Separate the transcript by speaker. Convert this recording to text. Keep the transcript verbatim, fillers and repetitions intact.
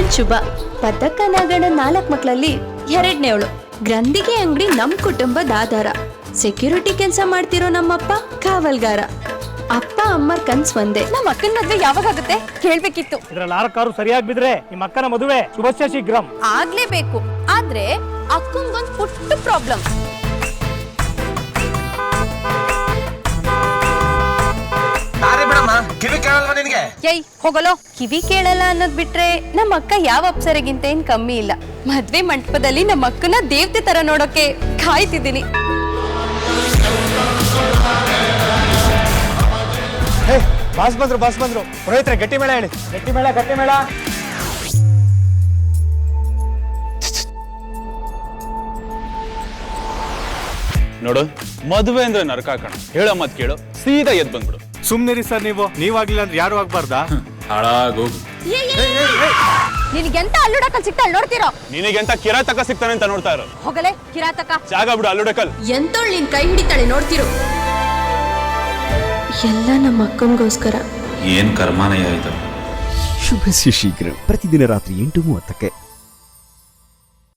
Speaker 1: ಶುಭ. ಪದಕ ನಾಗಣ್ಣ ನಾಲ್ಕು ಮಕ್ಕಳಲ್ಲಿ ಎರಡನೇವಳು. ಗ್ರಂಥಿಗೆ ಅಂಗಡಿ ನಮ್ ಕುಟುಂಬದ ಆಧಾರ. ಸೆಕ್ಯೂರಿಟಿ ಕೆಲಸ ಮಾಡ್ತಿರೋ ನಮ್ಮಪ್ಪ ಕಾವಲ್ಗಾರ. ಅಪ್ಪ ಅಮ್ಮರ್ ಕನ್ಸ್ ಒಂದೇ.
Speaker 2: ನಮ್ಮ ಅಕ್ಕನ ಮದ್ವೆ ಯಾವಾಗ ಆಗುತ್ತೆ ಕೇಳ್ಬೇಕಿತ್ತು.
Speaker 3: ಇದ್ರಲ್ಲಿ ನಾಲ್ಕಾರು ಸರಿಯಾಗಿ ಬಿದ್ರೆ ನಿಮ್ಮ ಅಕ್ಕನ ಮದುವೆ ಶುಭಸ್ಯ ಶೀಘ್ರಂ.
Speaker 2: ಆಗ್ಲೇಬೇಕು. ಆದ್ರೆ ಅಕ್ಕಂಗೊಂದ್ ಪುಟ್ಟ ಪ್ರಾಬ್ಲಮ್.
Speaker 4: ಕಿವಿ ಕೇಳಲ್ವಾ ನಿನಗೆ?
Speaker 2: ಏಯ್ ಹೋಗಲೋ. ಕಿವಿ ಕೇಳಲ್ಲ ಅನ್ನೋದ್ ಬಿಟ್ರೆ ನಮ್ಮ ಅಕ್ಕ ಯಾವ ಅಪ್ಸರೆಗಿಂತ ಏನ್ ಕಮ್ಮಿ ಇಲ್ಲ. ಮದ್ವೆ ಮಂಟಪದಲ್ಲಿ ನಮ್ಮ ಅಕ್ಕನ ದೇವತೆ ತರ ನೋಡೋಕೆ ಕಾಯ್ತಿದ್ದೀನಿ.
Speaker 3: ಬಾಸ್ ಬಂದ್ರು ಬಾಸ್ ಬಂದ್ರು ಪುರೋಹಿತ್ರೆ ಗಟ್ಟಿ ಮೇಳ ಹೇಳಿ. ಗಟ್ಟಿ ಮೇಳ ಗಟ್ಟಿ ಮೇಳ.
Speaker 5: ನೋಡು, ಮದುವೆ ಅಂದ್ರೆ ನರಕ ಕಣ. ಹೇಳೋ ಮತ್ ಕೇಳು, ಸೀದಾ ಎದ್ ಬಂದ್ಬಿಡು.
Speaker 3: ಸುಮ್ನಿರಿ ಸರ್, ನೀವು ನೀವಾಗ್ಲಿಲ್ಲ ಅಂದ್ರೆ ಯಾರು ಆಗ್ಬಾರ್ದಾ?
Speaker 5: ಹಾಳಾಗೋಗು.
Speaker 2: ನಿನಗೆಂತ ಅಲ್ಲುಡಕಲ್ ಸಿಗ್ತಾ ಅಲ್ಲಿ ನೋಡ್ತಿರೋ?
Speaker 5: ನಿನಗೆಂತ ಕಿರಾತಕ ಸಿಗ್ತಾನೆ ಅಂತ ನೋಡ್ತಾ ಇರೋ.
Speaker 2: ಹೋಗಲೇ ಕಿರಾತಕ.
Speaker 5: ಜಾಗ ಬಿಡು ಅಲ್ಲುಡಕಲ್.
Speaker 1: ಎಂತೋಳ್ ನಿನ್ ಕೈ ಹಿಡಿತಾಳೆ ನೋಡ್ತಿರು. ಎಲ್ಲ ನಮ್ಮ ಅಕ್ಕನಿಗೋಸ್ಕರ.
Speaker 6: ಏನ್ ಕರ್ಮಾನಯ ಇದು.
Speaker 7: ಶುಭಸ್ಯ ಶೀಘ್ರ. ಪ್ರತಿದಿನ ರಾತ್ರಿ ಎಂಟು ಮೂವತ್ತಕ್ಕೆ.